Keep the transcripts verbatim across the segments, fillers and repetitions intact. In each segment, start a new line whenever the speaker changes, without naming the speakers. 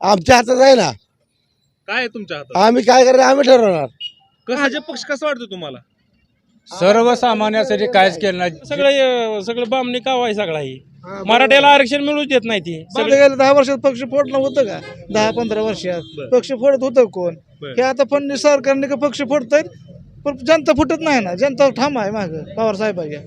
आमच्या हातात आहे ना.
काय आहे तुमच्या हातात?
आम्ही काय करणार आम्ही ठरवणार.
कसं भाजप पक्ष कसं वाटतं तुम्हाला?
सर्वसामान्यासाठी कायच केलं नाही.
सगळं सगळं बामणी काव आहे सगळा ही मराठ्याला आरक्षण मिळूच देत नाही ती
मागे गेलं दहा वर्षात पक्ष फोडणं होतं का? दहा पंधरा वर्षात पक्ष फोडत होतं कोण? हे आता फडणवीस सरकारने का पक्ष फोडतायत, पण जनता फुटत नाही ना. जनता ठाम आहे माग पवार साहेबांच्या.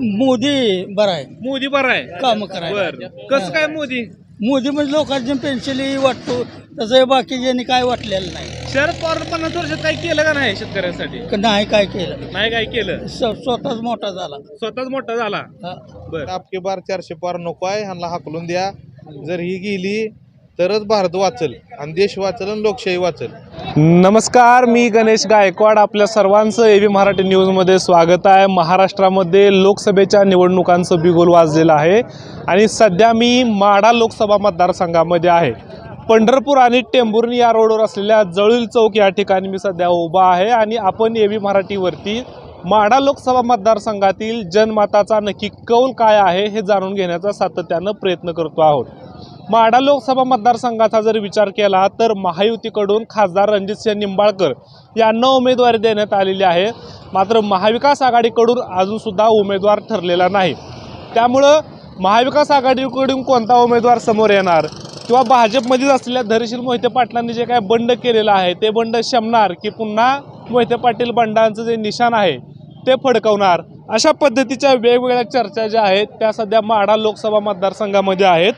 मोदी बरा आहे,
मोदी बरा आहे.
काम करायला.
बर कसं काय मोदी?
मोदी म्हणजे लोकांची पेन्शनही वाटतो, तसं बाकीच्यांनी काय वाटलेलं नाही.
शरद पवार पन्नास वर्षात काही केलं का नाही शेतकऱ्यांसाठी?
क- नाही काय केलं,
नाही काय केलं.
स्व- स्वतःच मोठा झाला.
स्वतःच मोठा झाला.
हा.
बर
आपके बार चारशे पार नको आहे, ह्यांना हाकलून द्या. जर ही गेली तरच भारत वाचल आणि देश वाचल आणि लोकशाही वाचल.
नमस्कार, मी गणेश गायकवाड. आपल्या सर्वांचं एबी मराठी न्यूजमध्ये स्वागत आहे. महाराष्ट्रामध्ये लोकसभेच्या निवडणुकांचं बिगुल वाजलेलं आहे आणि सध्या मी माढा लोकसभा मतदारसंघामध्ये आहे. पंढरपूर आणि टेंभुर्णी या रोडवर असलेल्या जळील चौक या ठिकाणी मी सध्या उभा आहे आणि आपण एबी मराठीवरती माढा लोकसभा मतदारसंघातील जनमताचा नक्की कौल काय आहे हे जाणून घेण्याचा सातत्यानं प्रयत्न करतो आहोत. माढा लोकसभा मतदारसंघाचा जर विचार केला तर महायुतीकडून खासदार रणजितसिंह निंबाळकर यांना उमेदवारी देण्यात आलेली आहे. मात्र महाविकास आघाडीकडून अजूनसुद्धा उमेदवार ठरलेला नाही. त्यामुळं महाविकास आघाडीकडून कोणता उमेदवार समोर येणार किंवा भाजपमध्येच असलेल्या धैर्यशील मोहिते पाटलांनी जे काय बंड केलेलं आहे ते बंड शमणार की पुन्हा मोहिते पाटील बंडांचं जे निशाण आहे ते फडकवणार, अशा पद्धतीच्या वेगवेगळ्या चर्चा ज्या आहेत त्या सध्या माढा लोकसभा मतदारसंघामध्ये आहेत.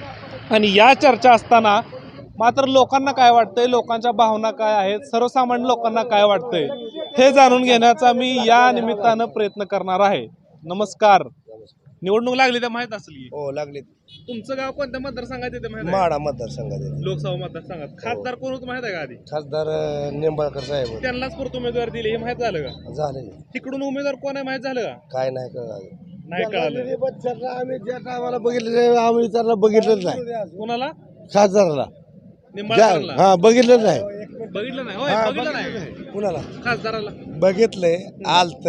आणि या चर्चा असताना मात्र लोकांना काय वाटतंय, लोकांच्या भावना काय आहेत, सर्वसामान्य लोकांना काय वाटतंय हे जाणून घेण्याचा मी या निमित्तानं प्रयत्न करणार आहे. नमस्कार. निवडणूक लागली तर माहित असेल की?
हो लागले.
तुमचं गाव कोणत्या मतदारसंघात येते माहित आहे?
माडा मतदारसंघात
लोकसभा मतदारसंघात खासदार कोण होतं माहित आहे का आधी?
खासदार निंबाळकर साहेब
त्यांनाच परत उमेदवार दिले हे माहित झालं का?
झाले.
तिकडून उमेदवार कोण आहे माहित झालं का?
काय नाही कळलं.
नाही कळालं.
आम्ही ज्या टायमाला बघितलं आम्ही त्यांना बघितलंच नाही.
कोणाला?
खासदाराला
निंबाळकरला
हा बघितलं नाही.
बघितलं नाही. होय, बघितलं नाही.
कुणाला
खासदाराला
बघितलंय? आलत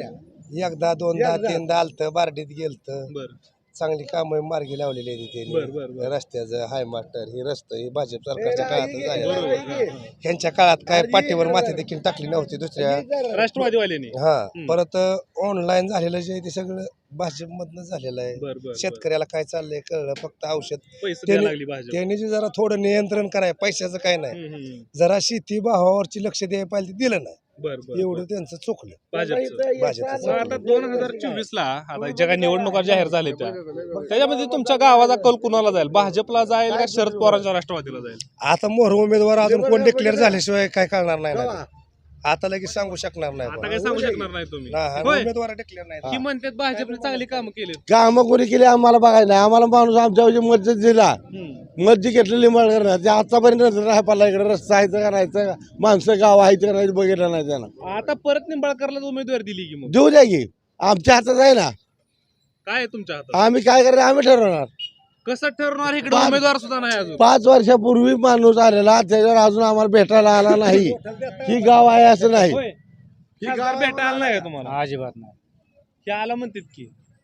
एकदा दोनदा तीनदा आलत, बारडीत गेलत.
बर
चांगली कामं मार्गी लावलेली आहे
बर, बर,
त्यांनी.
बर.
रस्त्याचं हाय मास्टर हे रस्तं हे भाजप सरकारच्या काळातच झालेलं
बरोबर.
आहे. ह्यांच्या काळात काय पाठीवर माती देखील टाकली नव्हती दुसऱ्या.
राष्ट्रवादीवाल्यांनी.
हा परत ऑनलाईन झालेलं जे ते सगळं भाजपमधनं झालेलं आहे.
बर बर
शेतकऱ्याला काय चाललंय कळलं, फक्त औषध
पैसे द्यायला लागली
त्यांनी
भाजप.
त्यांनी जे जरा थोडं नियंत्रण कराय, पैशाचं काय नाही,
हम्म, हम्म.
जरा शेती भावावरची लक्ष द्यायला पाहिजे, ते दिलं नाही.
बर बर
एवढं त्यांचं चुकलं
भाजपचं.
भाजपचं.
मग आता दोन हजार चोवीस ला आता ज्या काही निवडणुका जाहीर झाल्या त्या त्याच्यामध्ये तुमच्या गावाचा कल कुणाला जाईल? भाजपला जाईल का शरद पवारांच्या राष्ट्रवादीला जाईल?
आता मोर उमेदवार अजून कोण डिक्लेअर झाल्याशिवाय काय कळणार नाही ना. आता लगेच सांगू शकणार नाही
आता काय सांगू शकणार नाही तुम्ही.
ना, हा,
होय.
उमेदवार डिक्लेअर नाही.
ही म्हणतात भाजपने चांगली कामं केली.
कामं कोणी केली आम्हाला बघायला नाही. आम्हाला माणूस आमच्या मस्जिद दिला, मस्जिद घेतलेली मळकर ते आतापर्यंत राहायला इकडे रस्ता आहे का नाही, माणसं गाव आहे का नाही बघितलं नाही त्यांना.
आता परत निंबाळकरला उमेदवारी दिली की मग
देऊ द्या की, आमच्या हातात आहे ना.
काय आहे तुमच्या हातात?
आम्ही काय करणार आम्ही ठरवणार.
कसं ठरवणार? इकडे
पाच-
उमेदवार सुद्धा नाही अजून.
पाच वर्षापूर्वी माणूस आलेला त्याच्यावर अजून आम्हाला भेटायला आला नाही. ही गाव आहे असं नाही.
होय. खासदार भेटायला नाही का तुम्हाला?
अजिबात नाही.
हे आला म्हणतात की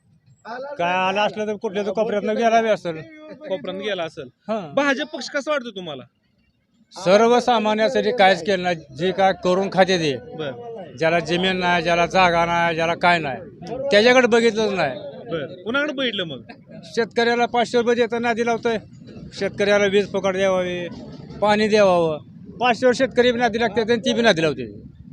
काय आला असलं तर कुठल्या तर कोपऱ्यातनं गेला बी असेल.
कोपऱ्यात गेला असेल.
हा.
भाजप पक्ष कसं वाटतो तुम्हाला?
सर्वसामान्यासाठी कायच केलं नाही. जे काय करून खाते ते,
बर
ज्याला जमीन नाही, ज्याला जागा नाही, ज्याला काय नाही, त्याच्याकडे बघितलंच नाही.
बर कुणाकडे बघितलं मग?
शेतकऱ्याला पाचशे रुपये देताना नादी लावतोय. शेतकऱ्याला वीज पकड द्यावावी, पाणी द्यावावं. पाचशे शेतकरी बी नादी लागते आणि ती बी नादी लावते.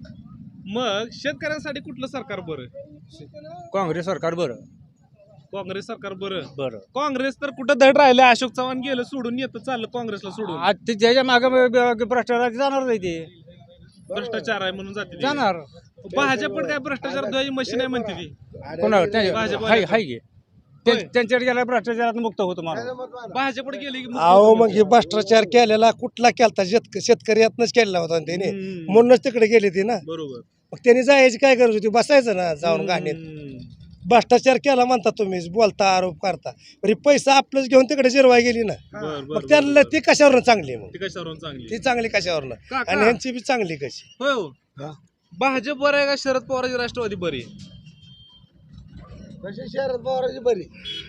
मग शेतकऱ्यांसाठी कुठलं सरकार बरं?
काँग्रेस सरकार बरं.
काँग्रेस सरकार बरं.
बरं.
काँग्रेस तर कुठं धड राहिले. अशोक चव्हाण गेलं सोडून, येतं चाललं काँग्रेसला सोडून.
आज ते ज्याच्या मागे भ्रष्टाचार जाणार नाही, ते
भ्रष्टाचार आहे म्हणून जाते ते.
जाणार.
भाजप पण काय भ्रष्टाचार द्यायची मशीन आहे म्हणते ती.
कोणावर
भाजप-
हाय हाय घे
होय.
त्यांच्याकडे गेला भ्रष्टाचारात मुक्त होतो माणूस.
भाजपकडे गेली की मग
अहो मग हे भ्रष्टाचार केलेला कुठला केलता? शेतक शेतकऱ्यातनच केलेला होता ना त्याने,
हम्म.
म्हणूनच तिकडे गेले ते ना.
बरोबर.
मग त्यांनी जायची काय गरज होती? बसायचं ना जाऊन गाणीत.
हम्म.
भ्रष्टाचार केला म्हणता तुम्ही, बोलता आरोप करता, पण पैसा आपलंच घेऊन तिकडे जिरवाय गेली ना.
बर बर
मग त्याला ती कशावरून चांगली? मग
ती कशावरून चांगली?
ती चांगली कशावरून
काका.
आणि ह्यांची बी चांगली कशी?
होय हो. भाजप बरं आहे का शरद पवारांची राष्ट्रवादी बरी?
शरद पवारांची बरी.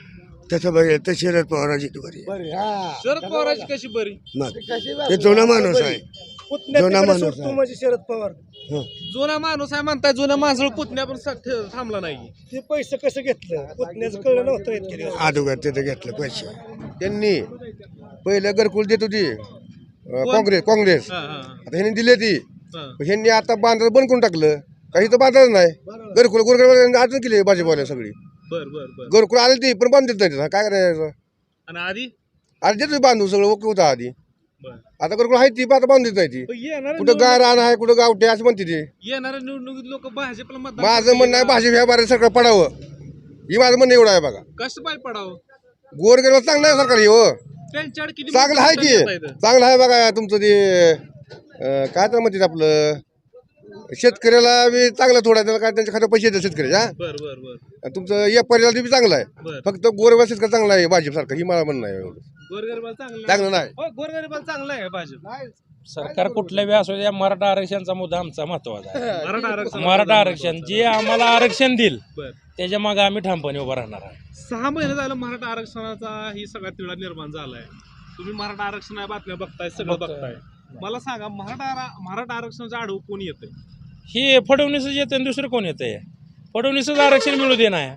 तसं बघेल तर शरद पवाराची बरी
बरी हा
शरद पवाराची कशी बरी
मग
कशी
ते जुना माणूस आहे जुना माणूस आहे
म्हणजे शरद पवार
जुना माणूस आहे म्हणताय जुना माणूस पुतण्या पण सा- ठे- थांबला नाही
ते पैसे कसं घेतलं पुतण्याचं कळलं नव्हतं इतके दिवस.
अगोदर तिथं घेतलं पैसे त्यांनी पहिलं घरकुल देत होती अं, काँग्रेस काँग्रेस
हा, हा,
आता ह्यांनी दिली ती
हा.
ह्यांनी आता बांधायला बंद करून टाकलं काही तर बांधायचं नाही घरकुल गोरगरीब अडचण केली भाजीपाला सगळी
बर बर बर
घरकुल आली ती पण बांधत नाही तिथं. काय करायचं
आणि आधी
आधी देत होती बांधून सगळं ओके होतं आधी
बर
आता घरकुल आहे ती पण आता बांधत नाही ती
येणार
कुठं गाय रान आहे कुठं गावठे असं म्हणते ती
येणाऱ्या निवडणुकीत लोक भाजपला मतदान
माझं म्हणणं आहे भाजी व्यापारी सरकार पडावं ही माझं म्हणणं एवढं आहे बघा
कसं पाय पडावं
गोरगरीब चांगलं आहे सरकार हे हो
त्यांच्याकडे किती
चांगलं आहे
मतदान
की
देता येतं?
चांगलं आहे बघा तुमचं ते अं, काय तर म्हणतात आपलं शेतकऱ्याला बी चांगलं थोडं आहे, त्याला काय त्यांच्या खात्यात पैसे येतात शेतकऱ्याच्या हा?
बर बर बर
आणि तुमचं व्यापारीला बी चांगलं आहे
बर
फक्त गोरगरीब शेतकरी चांगला आहे भाजप सरकार ही मला म्हणणं आहे एवढं.
गोरगरिबाला चांगलं
चांगलं नाही
हो गोरगरिबाला चांगलं आहे भाजप
सरकार कुठल्या बी असू द्या मराठा आरक्षणचा मुद्दा आमचा महत्वाचा आहे.
मराठा आरक्षण
मराठा आरक्षण जे आम्हाला आरक्षण देईल
बर
त्याच्या मागे आम्ही ठामपणे उभं राहणार आहे.
सहा महिने झालं मराठा आरक्षणाचा ही सगळा तिढा निर्माण झालाय तुम्ही मराठा आरक्षण बातम्या बघताय सगळं बघताय मला सांगा मराठा आरा- मराठा आरक्षणाचा आढावा कोण येतंय
हे फडणवीसच येतं आणि दुसरं कोण येतंय फडणवीसच आरक्षण मिळू दे नाही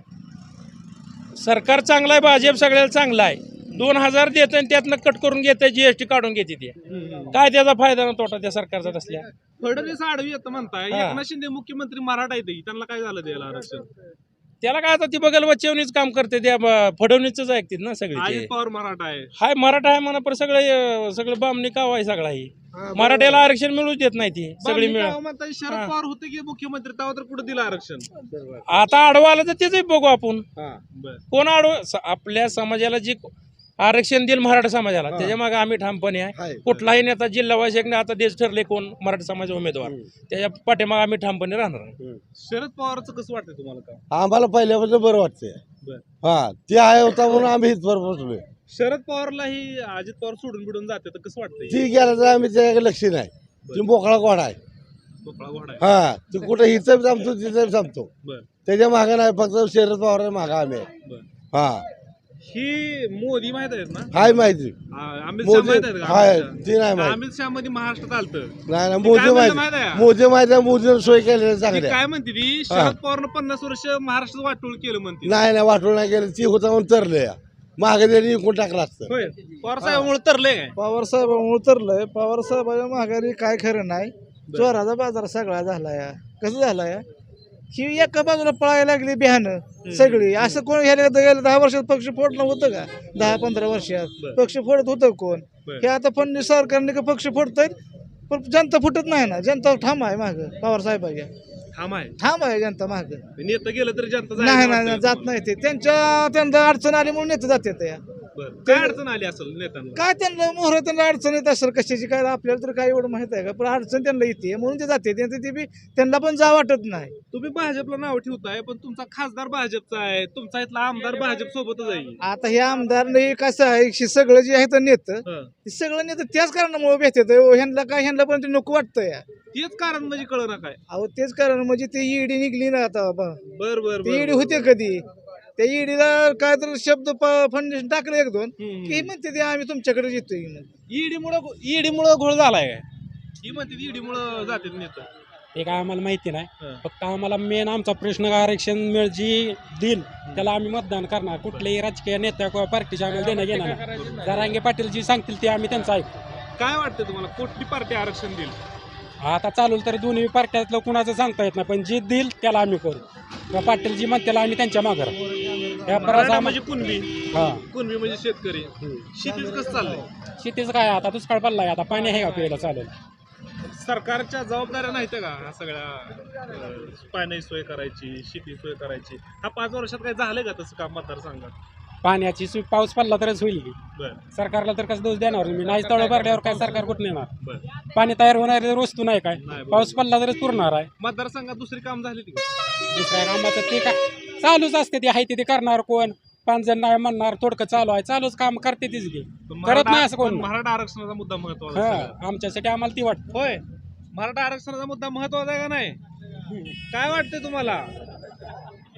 सरकार चांगलं आहे भाजप सगळ्याला चांगलं आहे दोन हजार देत आणि त्यातनं कट करून घेते जीएसटी काढून घेते ते काय त्याचा फायदा ना तोटा त्या सरकारचा तसल्या
फडणवीस आडवी येतं म्हणताय
हा.
एकनाथ शिंदे मुख्यमंत्री मराठा येते त्यांना काय झालं द्यायला आरक्षण
त्याला काय आता ती बघायला बच्चवणीच काम करते त्या ब- फडणवीसच ऐकतील ना सगळे
अजित
ते.
पवार मराठा आहे
हाय मराठा आहे म्हणा पण सगळे अं, सगळं बामणी काव आहे सगळा ही मराठ्याला आरक्षण मिळूच देत नाही ती सगळी
बामणी
मिळ
गाव म्हणताय शरद पवार होते की मुख्यमंत्री तेव्हा तर कुठे दिलं आरक्षण
आता आडवा आलं तर तेच बघू आपण
बर
कोण आडवं स- आपल्या समाजाला जे आरक्षण देईल मराठा समाजाला त्याच्या मागे आम्ही ठामपणे आहे
आहे.
कुठलाही नेता जिल्हा वाईज आता देश ठरले कोण मराठा समाज उमेदवार त्याच्या पाठीमागे आम्ही ठामपणे राहणार आहे.
शरद पवारचं कसं वाटतंय तुम्हाला का
आम्हाला पहिल्यापासून बरं वाटतंय
बर
हा ते आहे होता म्हणून आम्ही इथवर पोहोचलोय
शरद पवारला ही अजित पवार सोडून बिडून जाते तर कसं वाटतंय
ती गेला तर आम्ही त्याच्याकडे लक्ष नाही ती मोकळा कोण आहे
मोकळा घोडा आहे
हा ती कुठं हिचं थांबतो तिथं थांबतो
बर
त्याच्या मागे नाही फक्त शरद पवार मागे आम्ही आहे.
बर
हा
ही मोदी माहित आहेत ना
हाय माहिती
आ- अमित शहा
मोदी
माहित आहेत का
हाय
अमित
ती नाही
शहा?
माहिती
अमित शहा मध्ये महाराष्ट्रात आलतं
नाही नाही
ती
मोदी
काय म्हणलं
माहिती
माहिती आहे?
मोदी माहिती आहे मोदीनं सोय केलेल्या
ती
चांगल्या
काय म्हणते ती शरद पवारनं पन्नास वर्ष महाराष्ट्रात वाटोळ केलं म्हणते
नाही नाही वाटून नाही गेलं ती होता म्हणून तरले मागे त्यांनी इकून टाकलं असतं
होय पवार साहेबांमुळे तरले काय
पवार साहेबांमुळे उतरलंय पवार साहेबांच्या माघारी काय खरं नाही चोराचा बाजार सगळा झालाय कसं झालाय ही एका बाजूला पळायला लागली बिहानं सगळी असं कोण ह्याला गेलं दहा वर्षात पक्ष फोडणं होतं का दहा पंधरा वर्षात पक्ष फोडत होतं कोण
बरं.
हे आता फडणवीस सरकारने का पक्ष फोडतायत पण जनता फुटत नाही ना जनता ठाम आहे माग पवार साहेबांच्या
ठाम आहे
ठाम आहे जनता माग
नेतं गेलं तरी जनता जायला
नाही नाही
वाटतं
जात नाही ते त्यांच्या त्यांना अडचण आली म्हणून नेते जाते त्या
बरं. काय अडचण आली असेल नेत्यांना
काय त्यांना मोहर त्यांना अडचण येत असेल कशाची काय आपल्याला तर काय एवढं माहित आहे का पण अडचण त्यांना येते म्हणून ते जाते त्यांचं ते बी त्यांना पण जा वाटत नाही
तुम्ही भाजपला नाव ठेवताय पण तुमचा खासदार भाजपचा आहे तुमचा इथला आमदार भाजप सोबतच आहे
आता हे आमदार नाही कसं आहे हे सगळं जे आहे तर नेतं
हं.
ते सगळं नेतं त्याच कारणामुळे भेटत ह्यांना काय ह्यांना पण ते नको वाटतं या
तेच कारण म्हणजे कळ ना काय
अहो तेच कारण म्हणजे ते ईडी निघली ना आता बा.
बर बर
ते ईडी होते कधी त्या ईडीला काय तर शब्द फंडेशन टाकलं एक दोन
हम्म.
की म्हणते ते आम्ही तुमच्याकडे येतोय म्हणून.
ईडी मुळे ईडी मुळे घोळ झालाय ही म्हणते ईडी मुळे जाते नेतं
ते काय आम्हाला माहिती नाही
हं.
फक्त आम्हाला मेन आमचा प्रश्न आरक्षण मिळ जी देईल त्याला आम्ही मतदान करणार कुठल्याही राजकीय नेत्या किंवा पार्टीच्या आम्हाला देणं घेणार नाही जरांगे पाटील जी सांगतील ते आम्ही त्यांचं ऐकू
काय वाटतं तुम्हाला कुठली पार्टी आरक्षण देईल
आता चालू तर दोन्ही पार्ट्यातलं कुणाचं सांगता येत नाही पण जे देईल त्याला आम्ही करू किंवा पाटील जी म्हणते त्याला आम्ही त्यांच्या माघार या
मराठा
परत
म्हणजे कुणबी
हा
कुणबी म्हणजे शेतकरी शेतीच कसं चाललंय
शेतीचं काय आता दुष्काळ पडलाय आता पाणी आहे का प्यायला चालेल
सरकारच्या जबाबदाऱ्या नाहीत का ह्या सगळ्या अं, पाण्याची सोय करायची शेती सोय करायची हा पाच वर्षात काय झालंय का तसं काम मतदारसंघात
पाण्याची सु- पाऊस पडला तरच होईल की
बर
सरकारला तर कसं दोष देणार मी नाही तळ भरल्यावर काय सरकार कुठं नेणार
बर
पाणी तयार होणारी वस्तू नाही काय
नाही, बरोबर.
पाऊस पडला तरच पुरणार आहे
मतदारसंघात दुसरी काम झाली ती का?
दुसऱ्या कामाचं ते काय चालूच असते ते आहे ते ते करणार कोण पाच जण नाही म्हणणार थोडकं चालू आहे चालूच काम करते तीच घे
पण
करत नाही
मराठा
असं कोण
पण मराठा आरक्षणाचा मुद्दा महत्वाचा आहे सगळ्यात.
हा आमच्यासाठी आम्हाला ती वाटतं
होय मराठा आरक्षणाचा मुद्दा महत्वाचा आहे का नाही काय वाटतंय तुम्हाला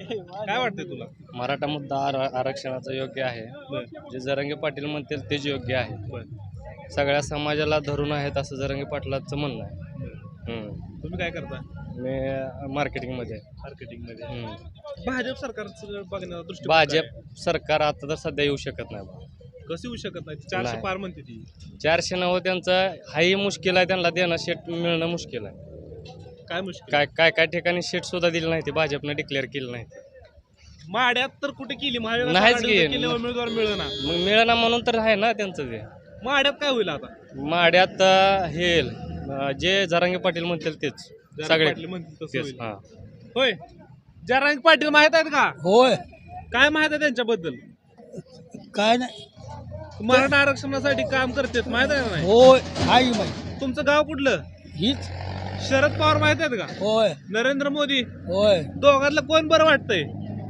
काय वाटतंय तुला?
मराठा मुद्दा आर- आरक्षणाचा योग्य आहे. जे जरांगे पाटील म्हणतील तेच योग्य आहे. सगळ्या समाजाला धरून आहेत असं जरांगे पाटलाचं म्हणणं आहे. हम्म.
तुम्ही काय करता?
मी मार्केटिंगमध्ये आहे.
मार्केटिंगमध्ये.
हम्म.
भाजप सरकारचं बघण्याचा दृष्टी
भाजप सरकार आता तर सध्या येऊ शकत नाही बा.
कसं येऊ शकत नाही? चारशे
नाही.
पार म्हणते ती.
चारशे नव्व त्यांचं हाही मुश्किल आहे, त्यांना देणं शेट मिळणं मुश्किल आहे.
काय मुश्किल?
काय काय काय ठिकाणी शेट सुद्धा दिलं नाही ते भाजपनं डिक्लेअर केलं नाही.
माड्यात तर कुठे केली? महाविकास
नाहीच
आघाडीनं
की.
केल्यावर उमेदवार मिळेना.
मग मिळणं म्हणून तर आहे ना त्यांचं ते.
माड्यात काय होईल आता?
माड्यात अं, हे अं, जे जरांगे पाटील म्हणतील तेच
जरांगे
सगळे
पाटील म्हणतील तसं
तेच.
होईल.
हा.
होय. जरांगे पाटील माहित आहेत का?
होय
काय माहित आहे त्यांच्याबद्दल?
काय नाही
मराठा आरक्षणासाठी काम करतात माहित आहे का नाही?
होय आई बाई
तुमचं गाव कुठलं?
हीच
शरद पवार माहित आहेत का?
होय
नरेंद्र मोदी?
होय
दोघातलं कोण बरं वाटतंय?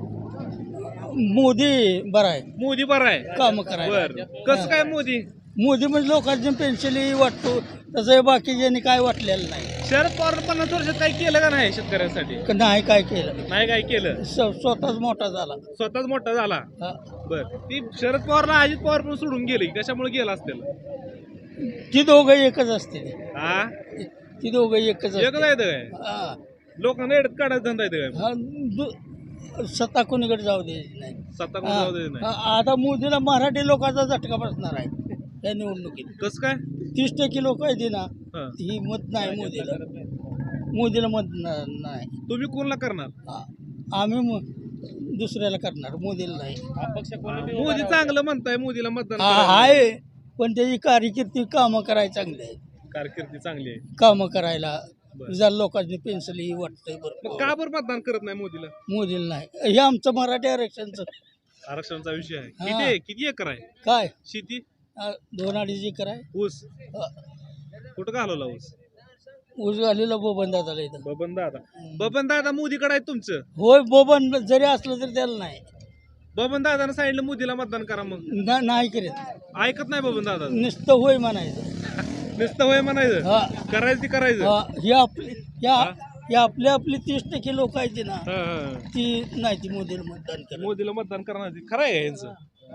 मोदी बरा आहे
मोदी बरं आहे.
काम करायला
बर. कसं काय मोदी?
मोदी म्हणजे लोकांची पेन्शनही वाटतो तसं बाकीच्यांनी काय वाटलेलं नाही
शरद पवार पन्नास वर्षात काही केलं का नाही शेतकऱ्यांसाठी?
क- नाही काय केलं
नाही काय केलं.
स- स्वतःच मोठा झाला
स्वतःच मोठा झाला.
हा.
बर. ती शरद पवारला अजित पवार पण सोडून गेली. कशामुळे गेला असतील?
ती दोघं एकच असते
हा?
ती दोघं एकच
एकच
असते
आहे काय?
हा.
लोकांना एडत काढायचा धंदा येतं काय?
हा, दु- सत्ता कोणीकडे जाऊ द्यायची नाही
सत्ता कोण
हा.
जाऊ दे नाही.
हा, आता मोदीला मराठी लोकांचा झटका बसणार आहे या निवडणुकीत
कसं काय?
तीस टक्के लोक आहेत ना
हा.
ही मत नाही मोदीला मोदीला मत न- नाही
तुम्ही कोणला करणार?
हा. आम्ही म- दुसऱ्याला करणार मोदीला नाही
मोदी चांगलं म्हणताय, मोदीला मतदान
हा,
करायला.
आहे पण त्याची कारकिर्दी कामं करायला चांगली आहे
कारकिर्दी चांगली आहे.
कामं करायला
बरं.
जर लोकांनी पेन्सिल वाटतंय
मग
बरं
का बरं मतदान करत नाही मोदीला?
मोदीला नाही हे आमचं मराठी आरक्षणचं
आरक्षणाचा विषय आहे.
हा.
किती आहे? किती एकर आहे
काय
शेती?
आ, दोन अडीच एकर आहे
ऊस
हा.
कुठं घालवला ऊस?
ऊस घालीला बोबन दादाला इथं
बबन दादा. बबन दादा मोदीकडे आहे तुमचं.
होय बोबन जरी असलं तरी त्याला नाही
बबन दादानं सांगितलं मोदीला मतदान करा. मग
ना- नाही करीत
ऐकत नाही बबन दादा.
नुसतं होय म्हणायचं
नुसतं होय म्हणायचं.
हा
करायचं ती करायचं.
हा, ही आपली या ही आपली आपली तीस टक्के लोक आहेत ना
हा, हा.
ती नाही ती मोदीला मतदान करत
मोदीला मतदान करणार ती. खरं आहे का यांचं?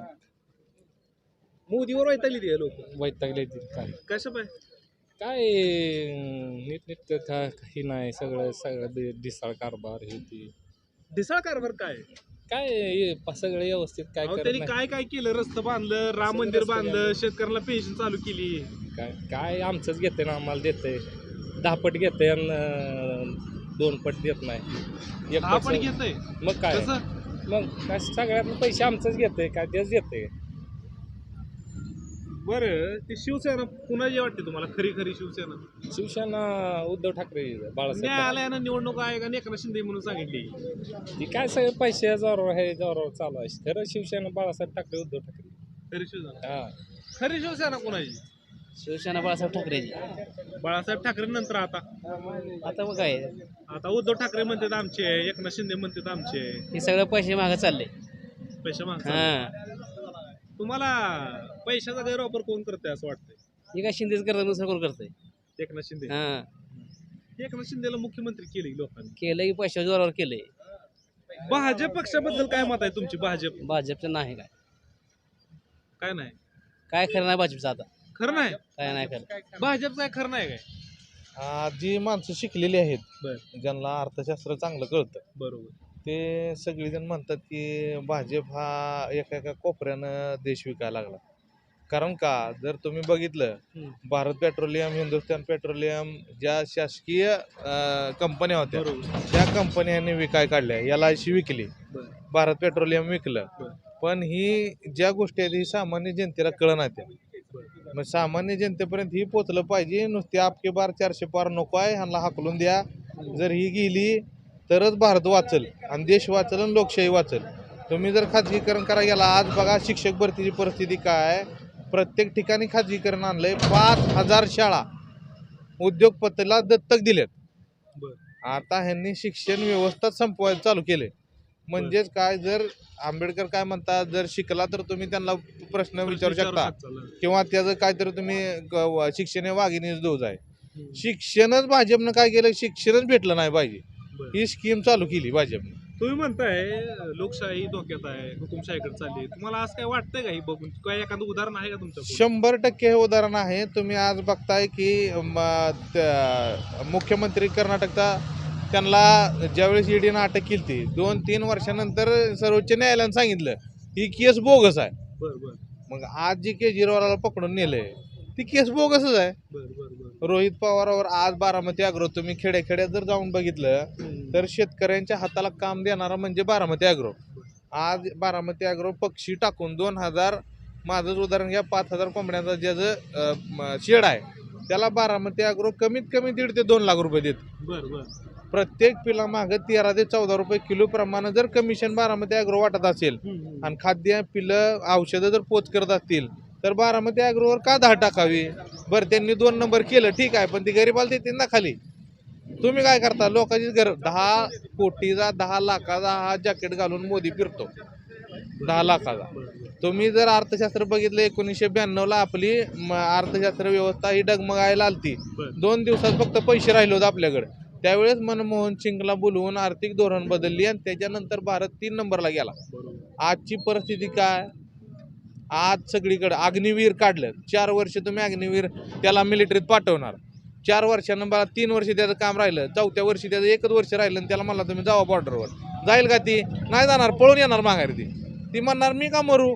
मोदीवर वैतागली ती लोक.
वैतागले काय
कशा पाय?
काय नीट काही नाही, सगळं सगळं दि- दिसाळ कारभार हे ते
ढिसाळ कारभार काय?
काय हे प- सगळं व्यवस्थित काय
अहो,
करत
त्यांनी
नाही.
काय काय केलं? रस्तं बांधलं, राम मंदिर बांधलं, शेतकऱ्याला पेन्शन चालू केली.
काय काय आमचंच घेते ना, आम्हाला देते दहा पट घेते आणि अं, दोन पट देत नाही. एक
दहा
पट
पण
स-
घेतय.
मग काय
कसं?
मग काय सगळ्यात पैसे आमचंच घेते, काय तेच घेते.
बरं, ती शिवसेना कुणाची वाटते तुम्हाला? खरी खरी शिवसेना?
शिवसेना उद्धव ठाकरे बाळासाहेब
न्यायालयानं निवडणूक आयोगाने एकनाथ शिंदे म्हणून सांगितली.
ती काय सगळे पैसे जोरावर आहे, जोरावर चालू आहे. खरं शिवसेना बाळासाहेब ठाकरे उद्धव ठाकरे.
खरी शिवसेना.
हा
खरी शिवसेना कोणाची?
शिवसेना बाळासाहेब ठाकरेची.
बाळासाहेब ठाकरे नंतर आता
आता मग काय
आता उद्धव ठाकरे म्हणतात आमचे, एकनाथ शिंदे म्हणतात आमचे.
हे सगळं पैसे मागे चालले.
पैसे मागतात.
हा
तुम्हाला पैशाचा गैरवापर कोण करतंय असं वाटतंय?
हे काय शिंदेच करतात दुसरं कोण करतंय.
एकनाथ शिंदे.
हा
एकनाथ शिंदेला मुख्यमंत्री केले लोकांनी.
केलं की पैशा जोरावर केलंय.
भाजप पक्षाबद्दल काय मत आहे तुमची? भाजप
भाजपचं नाही काय
काय नाही?
काय खरं नाही भाजपचं आता.
खरं नाही.
काय नाही खरं.
भाजप काय खरं नाही काय?
आ, जी माणसं शिकलेली आहेत,
बर.
ज्यांना अर्थशास्त्र चांगलं कळतं,
बरोबर.
ते सगळेजण म्हणतात की भाजप हा एका एका कोपऱ्यानं देश विकायला लागला. कारण का, जर तुम्ही बघितलं,
हम्म.
भारत पेट्रोलियम, हिंदुस्थान पेट्रोलियम ज्या शासकीय कंपन्या होत्या,
बरोबर.
त्या कंपन्यांनी विकाय काढल्या. एल आय सी विकली,
बर.
भारत पेट्रोलियम विकलं.
बर.
पण ही ज्या गोष्टी आहेत ही सामान्य जनतेला कळणार त्या. मग सामान्य जनतेपर्यंत ही पोचलं पाहिजे. नुसते आपके बार चारशे पार नको आहे, ह्यांना हाकलून द्या. जर ही गेली तरच भारत वाचल आणि देश वाचल आणि लोकशाही वाचल. तुम्ही जर खाजगीकरण करायला गेला, आज बघा शिक्षक भरतीची परिस्थिती काय. प्रत्येक ठिकाणी खाजगीकरण आणलंय. पाच हजार शाळा उद्योगपतीला दत्तक दिलेत.
बर.
आता ह्यांनी शिक्षण व्यवस्था संपवायला चालू केले. म्हणजेच काय, जर आंबेडकर काय म्हणतात, जर शिकला तर तुम्ही त्यांना प्रश्न विचारू शकता, किंवा त्याचं काहीतरी तुम्ही क- शिक्षण हे वाघिणीच डोज आहे. शिक्षणच भाजपनं काय केलं, शिक्षणच भेटलं नाही पाहिजे, ही स्कीम चालू केली भाजपने.
तुम्ही म्हणताय अं, लोकशाही धोक्यात आहे, हुकुमशाहीकडे चालली. तुम्हाला आज काय वाटतंय का ही बघून? काय एखादं उदाहरण आहे का तुमच्या
शंभर टक्के हे उदाहरण आहे. तुम्ही आज बघताय की म, त्या- मुख्यमंत्री कर्नाटकचा त्यांना ज्यावेळेस ईडीनं अटक केली ती दोन तीन वर्षानंतर सर्वोच्च न्यायालयानं सांगितलं ही केस बोगस आहे.
बरं बरं
मग आज जी केजरीवालाला पकडून नेलंय ती केस बोगसच आहे.
बरं बरं बरं
रोहित पवारावर आज बारामती अॅग्रो तुम्ही खेड्याखेड्यात जर जाऊन बघितलं तर शेतकऱ्यांच्या हाताला काम देणारा म्हणजे बारामती अॅग्रो. आज बारामती अॅग्रो पक्षी टाकून दोन हजार माझंच उदाहरण घ्या, पाच हजार कोंबड्यांचा ज्याचं शेड आहे त्याला बारामती अॅग्रो कमीत कमी दीड ते दोन लाख रुपये देत.
बरं बरं
प्रत्येक पिला मागं तेरा ते चौदा रुपये किलो प्रमाणे जर कमिशन बारामती अॅग्रो वाटत असेल आणि खाद्य पिलं औषधं जर पोच करत असतील तर बारामती अॅग्रोवर का दहा टाकावी. बरं त्यांनी दोन नंबर केलं ठीक आहे, पण ती गरीबाला देते ना खाली. तुम्ही काय करता लोकांची घर दहा कोटीचा दहा लाखाचा हा जॅकेट घालून मोदी फिरतो दहा लाखाचा. तुम्ही जर अर्थशास्त्र बघितलं एकोणीसशे ब्याण्णव ला आपली म, अर्थशास्त्र व्यवस्था ही डगमगायला आलती. दोन दिवसात फक्त पैसे राहिले होते आपल्याकडे. त्यावेळेस मनमोहन सिंगला बोलवून आर्थिक धोरण बदलली आणि त्याच्यानंतर भारत तीन नंबरला गेला. आजची परिस्थिती काय, आज सगळीकडे अग्निवीर काढलं. चार वर्ष तुम्ही अग्निवीर त्याला मिलिटरीत पाठवणार, चार वर्षानं मला तीन वर्ष त्याचं काम राहिलं, चौथ्या वर्षी त्याचं एकच वर्ष राहिलं आणि त्याला मला तुम्ही जावा बॉर्डरवर. जाईल का ती? नाही जाणार, पळून येणार माघारी. ती ती म्हणणार मी का मरू.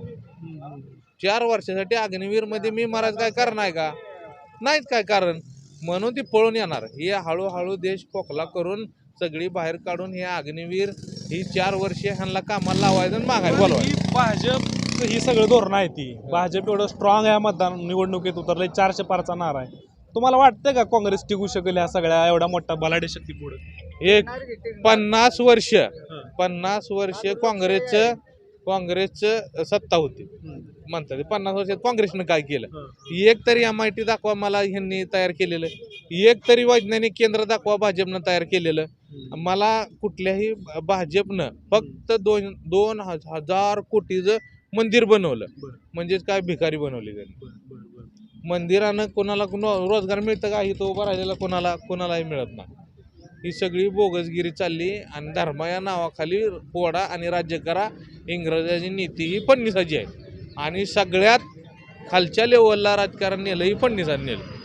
चार वर्षासाठी अग्निवीरमध्ये मी मरायचं काय कारण आहे का? नाहीच काय कारण. म्हणून ती पळून येणार. हे हळूहळू देश खोकला करून सगळी बाहेर काढून हे अग्निवीर ही चार वर्षे ह्यांना कामाला लावायचं आणि माघारी बोलवायचं.
भाजप ही सगळं धोरण आहे ती. भाजप एवढं स्ट्रॉंग आहे मतदान निवडणुकीत उतरले, चारशे पारचा नारा आहे. तुम्हाला वाटतंय का काँग्रेस टिकू शकेल ह्या सगळ्या एवढा मोठा बलाढ्य शक्ती पुढे?
एक पन्नास वर्ष पन्नास वर्ष काँग्रेसचं काँग्रेसचं सत्ता होती म्हणतात. पन्नास वर्षात काँग्रेसनं काय केलं? एक तरी एम आय टी दाखवा मला ह्यांनी तयार केलेलं. एक तरी वैज्ञानिक केंद्र दाखवा भाजपनं तयार केलेलं. मला कुठल्याही भाजपनं फक्त दोन दोन हजार कोटीचं मंदिर बनवलं. म्हणजेच काय भिकारी बनवली त्यांनी. मंदिरानं कोणाला रोजगार मिळतं का? इथं उभं राहिलेला कोणाला कोणालाही मिळत नाही. ही सगळी बोगसगिरी चालली आणि धर्मा या नावाखाली पोडा आणि राज्य करा इंग्रजाची नीती ही फडणवीसाची आहे. आणि सगळ्यात खालच्या लेवलला राजकारण नेलं ही फडणवीसांनी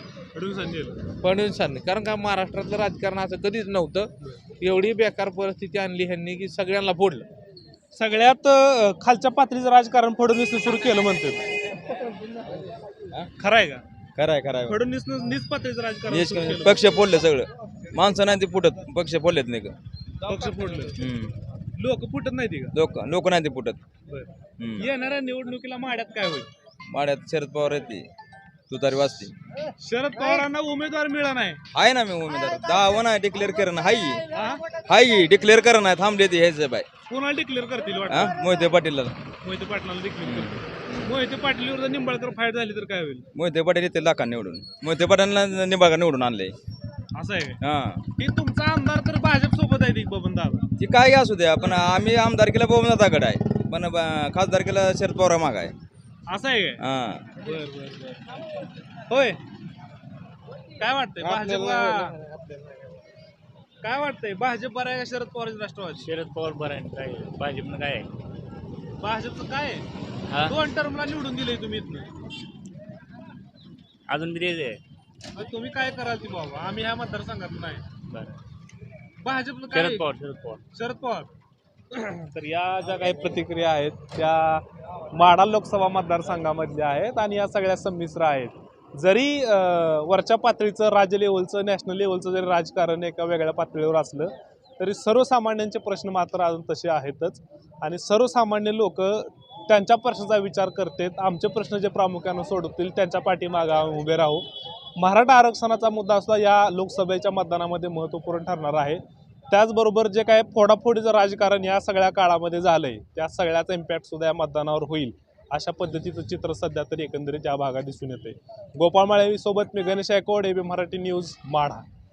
नेलं. फडणवीसांनी. कारण का महाराष्ट्रातलं राजकारण असं कधीच नव्हतं. एवढी बेकार परिस्थिती आणली ह्यांनी की सगळ्यांना फोडलं.
सगळ्यात अं, खालच्या पातळीचं राजकारण फडणवीसनं सुरू केलं म्हणते. खरं आहे का?
खरंय खरंय
फडणवीसनं नीच पातळीचं राजकारण सुरू केलं.
पक्ष फोडले सगळं. माणसं नाही ते फुटत, पक्ष फोडलेत नाही का.
पक्ष फोडलं. लोक फुटत नाही ती का?
लोक लोक नाही ते फुटत.
बरं. येणाऱ्या निवडणुकीला माड्यात काय होईल?
माड्यात शरद पवार येते, तुतारी वाजते.
शरद पवारांना उमेदवार मिळाला नाही.
आहे ना मी उमेदवार दहा नाही डिक्लेअर करणं हाय हाय डिक्लेअर करणं नाही थांबले ते ह्याच बाय.
कोणाला डिक्लेअर करतील
हा
वाटतं?
मोहिते पाटीलला.
मोहिते पाटलाला डिक्लेअर करतील. मोहिते पाटीलवर जर निंबाळकर फाईट झाली तर काय होईल?
मोहिते पाटील येते लाखा निवडून. मोहिते पाटीलला निंबाळकर निवडून आणले.
असं आहे का?
हा
की तुमचा आमदार तर भाजप सोबत आहे ती बबन दादा.
ती काय असू द्या पण आम्ही आमदारकीला बहुमताकडे आहे पण ब- खासदारकीला शरद पवार माग आहे.
असं आहे का?
हा
बर बर बर. होय. काय वाटतंय भाजपला? काय वाटतंय भाजप बरं आहे का शरद पवार राष्ट्रवादी?
शरद पवार बरं आहे. काय भाजपनं काय आहे?
भाजपचं काय
हा?
आहे? दोन टर्मला निवडून दिले तुम्ही इथनं.
अजून बी द्यायचं आहे.
मग तुम्ही काय कराल ती बाबा? आम्ही ह्या मतदारसंघात नाही.
बरं.
भाजपचं काय
शरद
आहे?
पवार शरद पवार
शरद पवार. तर या ज्या काही प्रतिक्रिया आहेत त्या माढा लोकसभा मतदारसंघामधल्या आहेत आणि या सगळ्या संमिश्र आहेत. जरी अं, वरच्या पातळीचं राज्य लेवलचं नॅशनल लेवलचं जरी राजकारण एका वेगळ्या पातळीवर असलं तरी सर्वसामान्यांचे प्रश्न मात्र अजून तसे आहेतच. आणि सर्वसामान्य लोक त्यांच्या प्रश्नाचा विचार करतात. आमचे प्रश्न जे प्रामुख्यानं सोडवतील त्यांच्या पाठीमागे आम्ही उभे राहू. मराठा आरक्षणाचा मुद्दा सुद्धा या लोकसभेच्या मतदानामध्ये महत्त्वपूर्ण ठरणार आहे. त्याचबरोबर जे काय फोडाफोडीचं राजकारण या सगळ्या काळामध्ये झालंय त्या सगळ्याचा इम्पॅक्ट सुद्धा या मतदानावर होईल अशा पद्धतीचं चित्र सध्या तरी एकंदरीत या भागात दिसून येते. गोपाळ माळेवी सोबत मी गणेश गायकवाड, एबी मराठी न्यूज, माढा.